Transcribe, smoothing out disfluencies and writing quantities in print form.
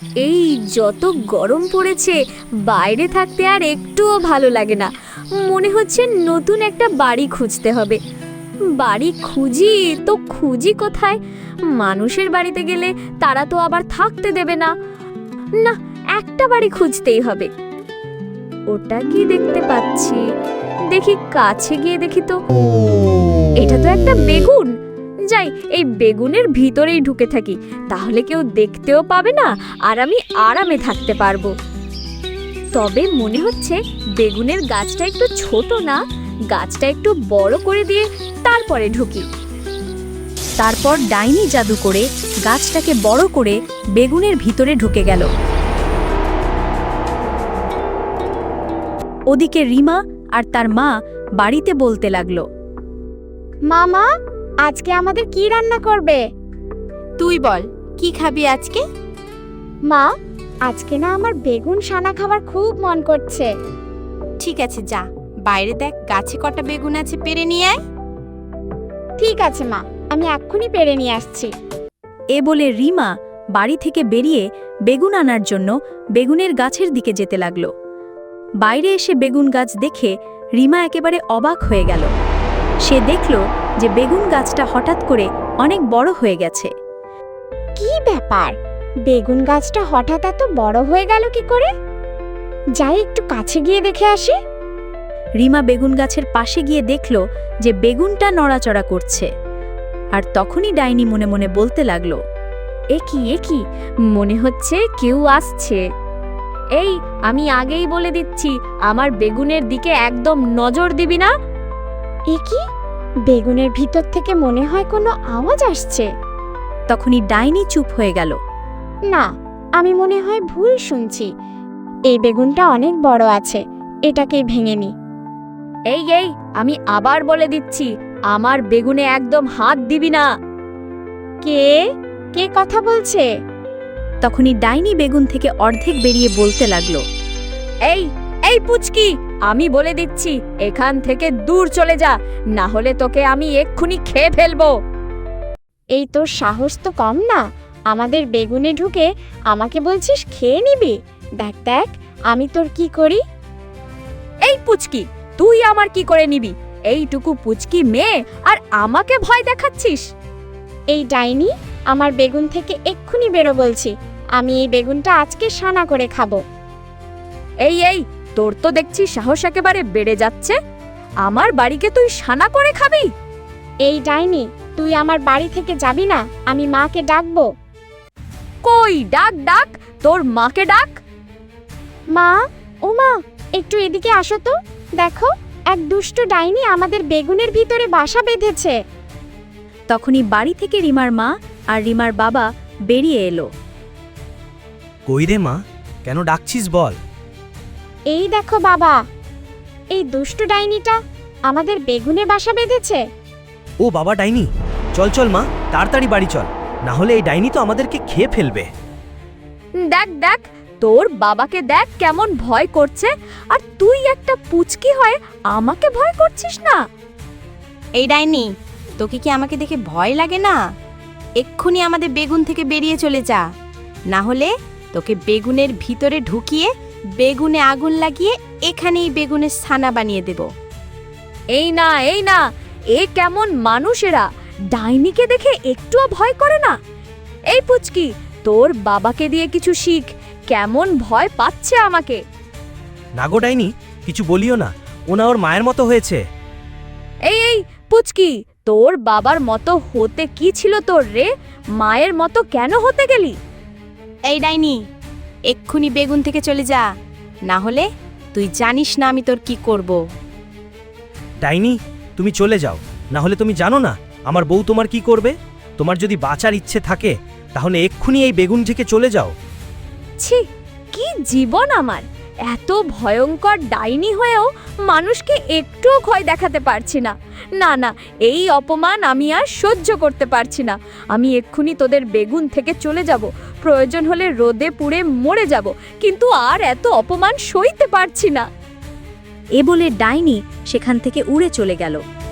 এই যত গরম পড়েছে, বাইরে থাকতে আর একটুও ভালো লাগে না। মনে হচ্ছে নতুন একটা বাড়ি খুঁজতে হবে। বাড়ি খুঁজি কোথায়? মানুষের বাড়িতে গেলে তারা তো আবার থাকতে দেবে না। না, একটা বাড়ি খুঁজতেই হবে। ওটা কি দেখতে পাচ্ছি? দেখি, কাছে গিয়ে দেখি তো। এটা তো একটা বেগুন। যাই, এই বেগুনের ভিতরেই ঢুকে থাকি, তাহলে কেউ দেখতেও পাবে না আর আমি আরামে থাকতে পারবো। তবে মনে হচ্ছে বেগুনের গাছটা একটু ছোট না, গাছটা একটু বড় করে দিয়ে তারপরে ঢুকি। তারপর ডাইনি জাদু করে গাছটাকে বড় করে বেগুনের ভিতরে ঢুকে গেল। ওদিকে রিমা আর তার মা বাড়িতে বলতে লাগলো, মামা, আজকে আমাদের কি রান্না করবে? তুই বল, কি খাবি আজকে? মা, আজকে না আমার বেগুন সানা খাবার খুব মন করছে। ঠিক আছে, যা বাইরে দেখ গাছে কটা বেগুন আছে, পেড়ে নিয়ে আয়। ঠিক আছে মা, আমি এক্ষুনি পেড়ে নিয়ে আসছি। এ বলে রিমা বাড়ি থেকে বেরিয়ে বেগুন আনার জন্য বেগুনের গাছের দিকে যেতে লাগলো। বাইরে এসে বেগুন গাছ দেখে রিমা একেবারে অবাক হয়ে গেল। সে দেখল যে বেগুন গাছটা হঠাৎ করে অনেক বড় হয়ে গেছে। কি ব্যাপার, বেগুন গাছটা হঠাৎ এত বড় হয়ে গেল কি করে? যাই একটু কাছে গিয়ে দেখে আসি। রিমা বেগুন গাছের পাশে গিয়ে দেখল যে বেগুনটা নড়াচড়া করছে। আর তখনই ডাইনি মনে মনে বলতে লাগলো, এ কি মনে হচ্ছে কেউ আসছে। এই, আমি আগেই বলে দিচ্ছি, আমার বেগুনের দিকে একদম নজর দিবি না। এ কি, বেগুনের ভিতর থেকে মনে হয় কোনো আওয়াজ আসছে। তখনই ডাইনি চুপ হয়ে গেল। না, আমি মনে হয় ভুল শুনছি। এই বেগুনটা অনেক বড় আছে, এটাকেই ভেঙে নি। এই, আমি আবার বলে দিচ্ছি, আমার বেগুনে একদম হাত দিবি না। কে কে কথা বলছে? তখনই ডাইনি বেগুন থেকে অর্ধেক বেরিয়ে বলতে লাগলো, এই পুচকি, আমি বলে দিচ্ছি, এখান থেকে দূর চলে যা, না হলে তোকে আমি এক্ষুনি খেয়ে ফেলবো। এই তোর সাহস তো কম না, আমাদের বেগুনে ঢুকে আমাকে বলছিস খেয়ে নিবি? দেখ দেখ আমি তোর কি করি। এই পুচকি, তুই আমার কি করে নিবি? এইটুকু পুচকি মেয়ে আর আমাকে ভয় দেখাচ্ছিস? এই ডাইনি, আমার বেগুন থেকে এক্ষুনি বেরো বলছি। আমি এই বেগুনটা আজকে সানা করে খাবো। এই, তোর তো দেখছি সাহস একেবারে বেড়ে যাচ্ছে। আমার বাড়িকে তুই সানা করে খাবি? এই ডাইনি, তুই আমার বাড়ি থেকে যাবি না, আমি মাকে ডাকবো। কই, ডাক, তোর মাকে ডাক। মা, ও মা, একটু এদিকে আসো তো। দেখো, এক দুষ্ট ডাইনি আমাদের বেগুনের ভিতরে বাসা বেঁধেছে। তখনই বাড়ি থেকে রিমার মা আর রিমার বাবা বেরিয়ে এলো। কই রে মা, কেন ডাকছিস বল? এই দেখো বাবা, এই দুষ্ট ডাইনিটা আমাদের বেগুনে বাসা বেঁধেছে। ও বাবা ডাইনি, চল মা, তাড়াতাড়ি বাড়ি চল, না হলে এই ডাইনি তো আমাদেরকে খেয়ে ফেলবে। দেখ, তোর বাবাকে দেখ কেমন ভয় করছে, আর তুই একটা পুচকি হয়ে আমাকে ভয় করছিস না? এই ডাইনি, তোকে কি আমাকে দেখে ভয় লাগে না? এক্ষুনি আমাদের বেগুন থেকে বেরিয়ে চলে যা, না হলে তোকে বেগুনের ভিতরে ঢুকিয়ে বেগুনে আগুন লাগিয়ে এখানেই বেগুনের ছানা বানিয়ে দেব। এই না, এ কেমন মানুষেরা, ডাইনিকে দেখে একটুও ভয় করে না? এই পুচকি, তোর বাবাকে দিয়ে কিছু শিখ, কেমন ভয় পাচ্ছে আমাকে। না গো ডাইনি, কিছু বলিও না, ওনা ওর মায়ের মতো হয়েছে। এই পুচকি, তোর বাবার মতো হতে কি ছিল তোর রে? মায়ের মতো কেন হতে গেলি? এই ডাইনি, এক্ষুনি বেগুন থেকে চলে যা, না হলে তুই জানিস না আমি তোর কি করব। ডাইনি, তুমি চলে যাও, না হলে তুমি জানো না আমার বউ তোমার কি করবে। তোমার যদি বাঁচার ইচ্ছে থাকে তাহলে এক্ষুনি এই বেগুন থেকে চলে যাও। ছি, কি জীবন আমার! এত ভয়ঙ্কর ডাইনি হয়েও মানুষকে একটুও ভয় দেখাতে পারছি না। না, এই অপমান আমি আর সহ্য করতে পারছি না। আমি এক্ষুনি তোদের বেগুন থেকে চলে যাব, প্রয়োজন হলে রোদে পুড়ে মরে যাব, কিন্তু আর এত অপমান সইতে পারছি না। এ বলে ডাইনি সেখান থেকে উড়ে চলে গেল।